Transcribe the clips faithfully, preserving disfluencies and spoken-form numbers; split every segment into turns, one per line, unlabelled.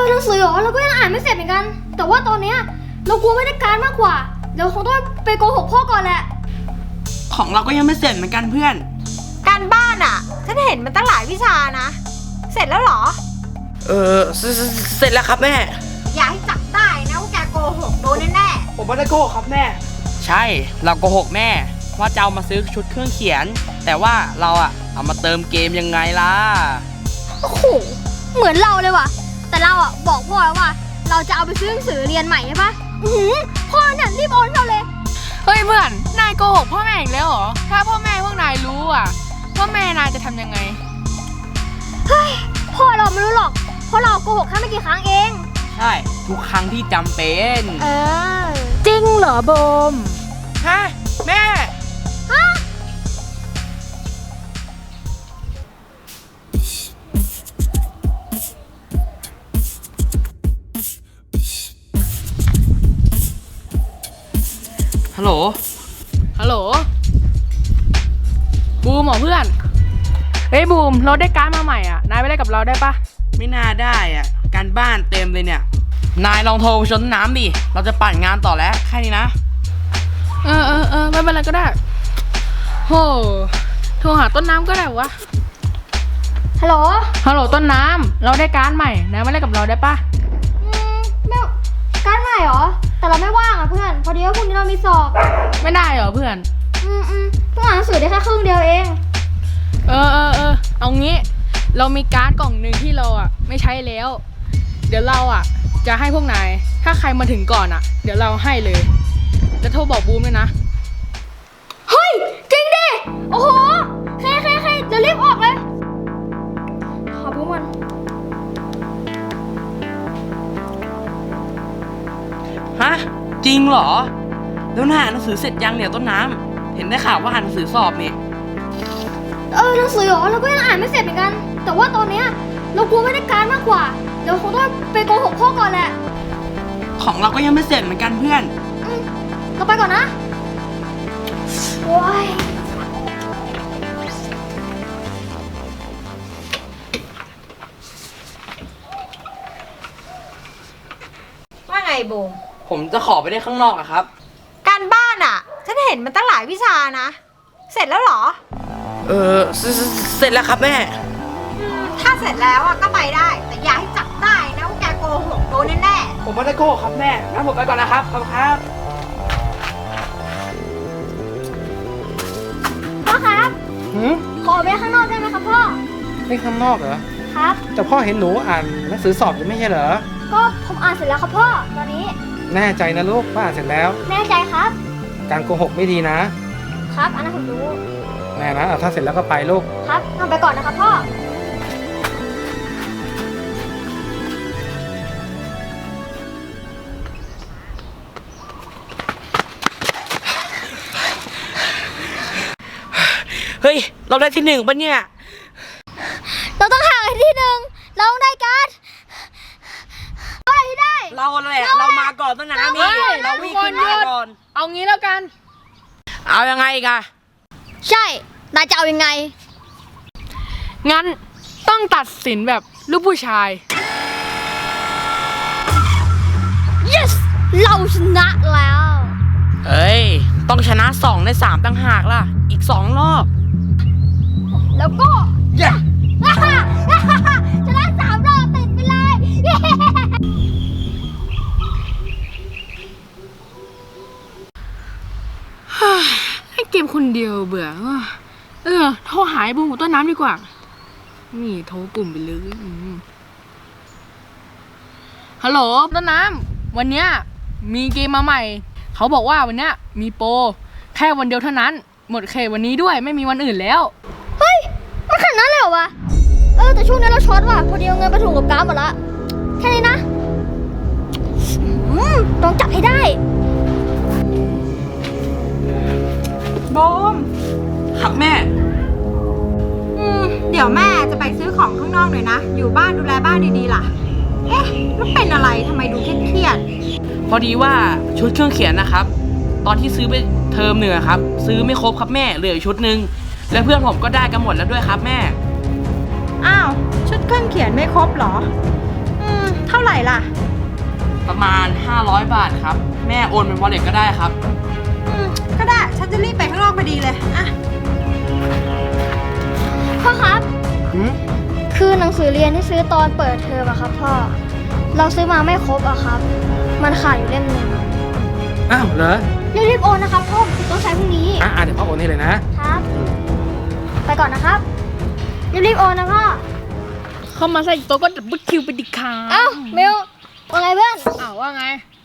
หนังสือเหรอเราก็ยังอ่านไม่เสร็จเหมือนกันแต่ว่าตอนเนี้ยเรากลัวไม่ได้การมากกว่าเดี๋ยวคงต้องไปโกหกพ่อก่อนแหละ
ของเราก็ยังไม่เสร็จเหมือนกันเพื่อน
การบ้านอ่ะฉันเห็นมันตั้งหลายวิชานะเสร็จแล้วเหรอ
เออเสร็จแล้วครับแม่
อย่าให้จับได้นะว่าแกโกหกโดนแน่
ๆผมไม่ได้โกหกครับแม่ใช่เราโกหกแม่ว่าจะเอามาซื้อชุดเครื่องเขียนแต่ว่าเราอะเอามาเติมเกมยังไงล่ะ
โอ้โหเหมือนเราเลยว่ะแต่เราอะบอกพ่อแล้วว่าเราจะเอาไปซื้อหนังสือเรียนใหม่ใช่ปะอือพ่อเนี่ยรีบโอนเราเลย
เฮ้ยเพื่อนนายโกหกพ่อแม่อีกแล้วเหรอถ้าพ่อแม่พวกนายรู้อ่ะพ่อแม่นายจะทำยังไง
เฮ้ยพ่อเราไม่รู้หรอกเพราะเราโกหกแค่ไม่กี่ครั้งเอง
ใช่ทุกครั้งที่จำเป็น
เออ
จริงเหรอโบม
ฮะแม่
ฮะ
ฮัลโหล
ฮัลโหลบูมเหรอเพื่อนเฮ้ยบูมเราได้การ์ดมาใหม่อ่ะนายไปเล่นกับเราได้ปะ
ไม่น่าได้อ่ะการบ้านเต็มเลยเนี่ยนายลองโทรไปชนน้ำดิเราจะปั่นงานต่อแล้วแค่นี้นะ
เออเออเออไม่เป็นไรก็ได้โหโทรหาต้นน้ำก็ได้วะ
ฮัลโหล
ฮัลโหลต้นน้ำเราได้การ์ดใหม่นายมาเล่นกับเราได้ปะ
อืมไม่การ์ดใหม่เหรอแต่เราไม่ว่างอ่ะเพื่อนพอดีว่าพรุ่งนี้เรามีสอบ
ไม่ได้เหรอเพื่อน
อืมอืมเพิ่งอ่านหนังสือได้แค่ครึ่งเดียวเอง
เออเออเออเอางี้เรามีการ์ดกล่องหนึ่งที่เราอ่ะไม่ใช้แล้วเดี๋ยวเราอ่ะจะให้พวกนายถ้าใครมาถึงก่อนอ่ะเดี๋ยวเราให้เลยจะโทรบอกบูมด้วยนะ
เฮ้ยจริงดิโอ้โหใครใครใครจะรีบออกเลยขอบูมมัน
ฮะจริงเหรอแล้วน่าอ่านหนังสือเสร็จยังเนี่ยต้นน้ำเห็นได้ข่าวว่าอ่านหนังสือสอบนี่
เออหนังสือเหรอเราก็ยังอ่านไม่เสร็จเหมือนกันแต่ว่าตอนเนี้ยเรากลัวไม่ได้การมากกว่าเดี๋ยวคงต้องไปโกหกพ่อก่อนแหละ
ของเราก็ยังไม่เสร็จเหมือนกันเพื่อน
อืมเราไปก่อนนะโอ้ย
ว่าไงบูม
ผมจะขอไปได้ข้างนอกอะครับ
การบ้านอ่ะฉันเห็นมันตั้งหลายวิชานะเสร็จแล้วเหรอ
เออเสร็จแล้วครับแม่
ถ้าเสร็จแล้วอ่ะก็ไปได้แต่อย่าให้จับได้นะว่าแกโกหกโดนแน่
ๆผมไม่ได้โกหกครับแม่งั้นผมไปก่อนนะครับขอบคุณครับ
พ่อครับ
หืม
ขอไปข้างนอกได้ไหมครับพ่อ
ไปข้างนอกเหรอ
ครับ
แต่พ่อเห็นหนูอ่านหนังสือสอบอยู่ไม่ใช่เหรอ
ก็ผมอ่านเสร็จแล้วครับพ่อตอนนี้
แน่ใจนะลูกว่าอ่านเสร็จแล้ว
แน่ใจครับ
การโกหกไม่ดีนะครับ
อันนั้นผมรู้
แน่นะถ้าเสร็จแล้วก็ไปลูก
ครับทำไปก่อนนะครับพ่อ
เฮ้ยเราได้ที่หนึ่งปะเนี่ย
เราต้องห่างกันที่หนึ่งเราต้องได้การ์ดเราได้ที่ได้
เราแหละเรามาก่อนต้นน้ำนี่เราวิ่งขึ้นมาก่อน
เอางี้แล้วกัน
เอายังไงกัน
ใช่นายจะเอายังไง
งั้นต้องตัดสินแบบลูกผู้ชาย
yes เราชนะแล้ว
เอ้ยต้องชนะสองในสามต่างหากล่ะอีกสองรอบ
แล้วก็
yeah
ชนะสามรอบติดไปเลย
ให้เกมคนเดียวเบื่อเออโทรหายบูมกับต้นน้ำดีกว่านี่โทรปุ่มไปเลยฮัลโหลต้นน้ำวันเนี้ยมีเกมมาใหม่เขาบอกว่าวันเนี้ยมีโปรแค่วันเดียวเท่านั้นหมดเขตวันนี้ด้วยไม่มีวันอื่นแล้ว
เฮ้ยมันขนาดนั้นเลยเหรอวะเออแต่ช่วงนี้เราช็อตว่ะพอดีเอาเงินไปถูกกับการ์ดหมดละแค่นี้นะต้องจับให้ได้
โบม
ครับแม่
อืมเดี๋ยวแม่จะไปซื้อของข้างนอกหน่อยนะอยู่บ้านดูแลบ้านดีๆล่ะเอ๊ะแล้วเป็นอะไรทำไมดูเครียด
ๆพอดีว่าชุดเครื่องเขียนนะครับตอนที่ซื้อไปเทอมหนึ่งครับซื้อไม่ครบครับแม่เหลือชุดหนึ่งและเพื่อนผมก็ได้กันหมดแล้วด้วยครับแม่
อ้าวชุดเครื่องเขียนไม่ครบเหรออืมเท่าไหร่ล
อยบาทครับ แม่โอนเป็นวอลเล็ตก็ได้ครับ
อืมก็ได้ ฉันจะรีบไปข้างนอกพอดีเลยอะ
พ่อครับ
หืม
คือหนังสือเรียนที่ซื้อตอนเปิดเทอมอะครับพ่อ เราซื้อมาไม่ครบอะครับ มันขาดอยู่เล่มหนึ่ง
อ้าวเหรอ
รีบๆโอนนะครับพ่อผมต้องใช้พรุ่งนี้
อ่ะอ่ะเดี๋ยวพ่อโอนให้เลยนะ
ครับ ไปก่อนนะครับ รีบๆโอนนะพ่อ
เข้ามาใส่โต๊ะก็ดับเบิลคิวไปดิค่ะ
เอ้าเมลว่าไงเพื่อน
อ้าวว่าไง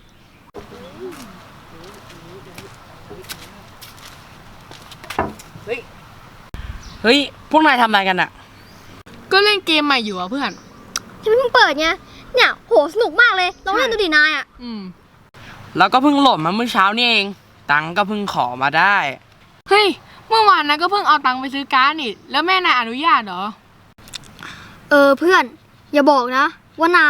เฮ้ย พวกนายทำอะไรกันอะ
ก็เล่นเกมใหม่อยู่อ่ะเพื่อน
ที่เพิ่งเปิดไง เนี่ยโหสนุกมากเลยลองเล่นดูดินายอะ
อืม
แล้วก็เพิ่งโหลดมาเมื่อเช้านี่เอง ตังค์ก็เพิ่งขอมาได้
เฮ้ย เมื่อวานนะก็เพิ่งเอาตังค์ไปซื้อการ์ดนี่ แล้วแม่นายอนุญาตเหรอ
เออเพื่อน อย่าบอกนะ ว่านาย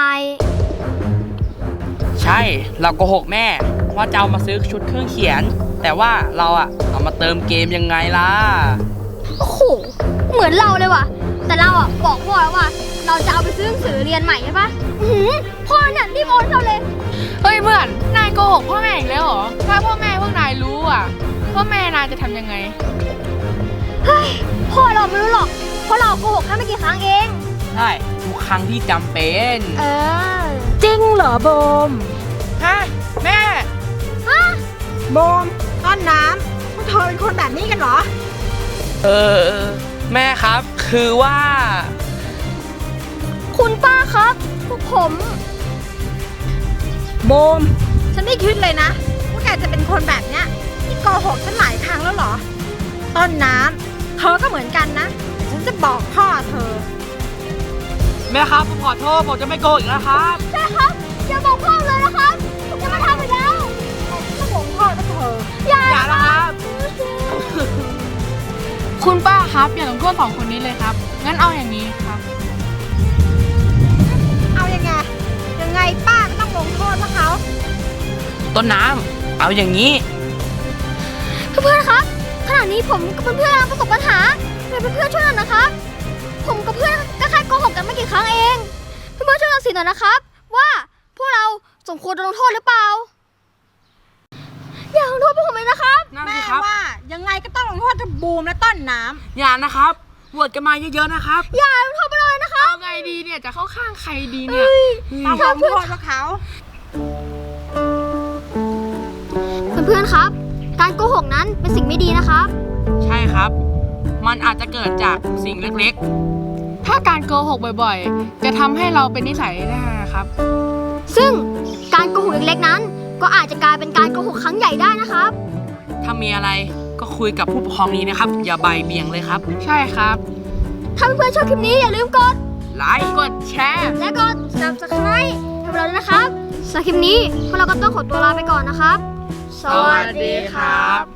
ใช่ เราโกหกแม่ ว่าจะเอามาซื้อชุดเครื่องเขียน แต่ว่าเราอะเอามาเติมเกมยังไงล่ะ
โอ้โห เหมือนเราเลยว่ะ แต่เราอ่ะบอกพ่อแล้วว่า เราจะเอาไปซื้อหนังสือเรียนใหม่ใช่ปะอื้อหือพ่อเนี่ยรีบโอนเราเลย
เฮ้ยเพื่อน นายโกหกพ่อแม่อีกแล้วเหรอ ถ้าพ่อแม่พวกนายรู้อ่ะ พ่อแม่นายจะทำยังไง
เฮ้ย พ่อเราไม่รู้หรอก เพราะเราโกหกแค่ไม่กี่ครั้งเอง
ใช่ทุกครั้งที่จำเป็น
เออ
จริงเหรอโบม
ฮะ แม่
ฮะ
โบมต้นน้ำพวกเธอเป็นคนแบบนี้กันเหรอ
เออ แม่ครับ คือว่า
คุณป้าครับ พวกผม
โบม ฉันไม่คิดเลยนะว่าแกจะเป็นคนแบบเนี้ยที่โกหกฉันหลายครั้งแล้วเหรอ ต้นน้ำเธอก็เหมือนกันนะเดี๋ยวฉันจะบอกพ่อเธอ
แม่ครับผมขอโทษผมจะไม่โกหกอีกแล้วครับ
ใช่ครับ อย่าบอกพ่อเลยนะครับผมจะมาทำอีกแล้ว
ถ้าบอกพ่อก็เธอ
อย่า
อย่านะครับ
คุณป้าครับอย่าลงโทษสองคนนี้เลยครับ งั้นเอาอย่างนี้ครับ
เอายังไง ยังไงป้าก็ต้องลงโทษพวกเขา
ต้นน้ำเอาอย่างนี้
เพื่อนๆครับ ขณะนี้ผมกับเพื่อนๆกำลังประสบปัญหาเพื่อนเพื่อนๆช่วยหน่อยนะครับ ผมกับเพื่อนก็แค่โกหกกันไม่กี่ครั้งเอง เพื่อนๆช่วยตัดสินหน่อยนะครับ ว่าพวกเราสมควรโดนลงโทษหรือเปล่า อย่าลงโทษพวกผมเลยนะครับ
นั่น
แม่
สิครับ
ว่ายังไงก็ต้องลงโทษทั้งบูมและต้นน้ำ
อย่านะครับโหวตกันมาเยอะๆนะครับ
อย่าลงโทษไปเลยนะครับ
เอาไงดีเนี่ย จะเข้าข้างใครดีเนี่ย
ต้องลงโทษพวกเขา
เพื่อนๆครับ การโกหกนั้นเป็นสิ่งไม่ดีนะครับ
ใช่ครับ มันอาจจะเกิดจากสิ่งเล็ก
ถ้าการโกหกบ่อยๆ จะทำให้เราเป็นนิสัยได้นะครับ
ซึ่งการโกหกเล็กๆนั้น ก็อาจจะกลายเป็นการโกหกครั้งใหญ่ได้นะครับ
ๆ ถ้ามีอะไรก็คุยกับผู้ปกครองนี้นะครับ อย่าใบายเบี่ยงเลยครับ
ใช่ครับ
ถ้าเพื่อนๆชอบคลิปนี้อย่าลืมกด
ไลค์
กดแชร์
และกด subscribe ให้พวกเราด้วยนะครับสำหรับคลิปนี้พวกเราก็ต้องขอตัวลาไปก่อนนะครับ
สวัสดีครับ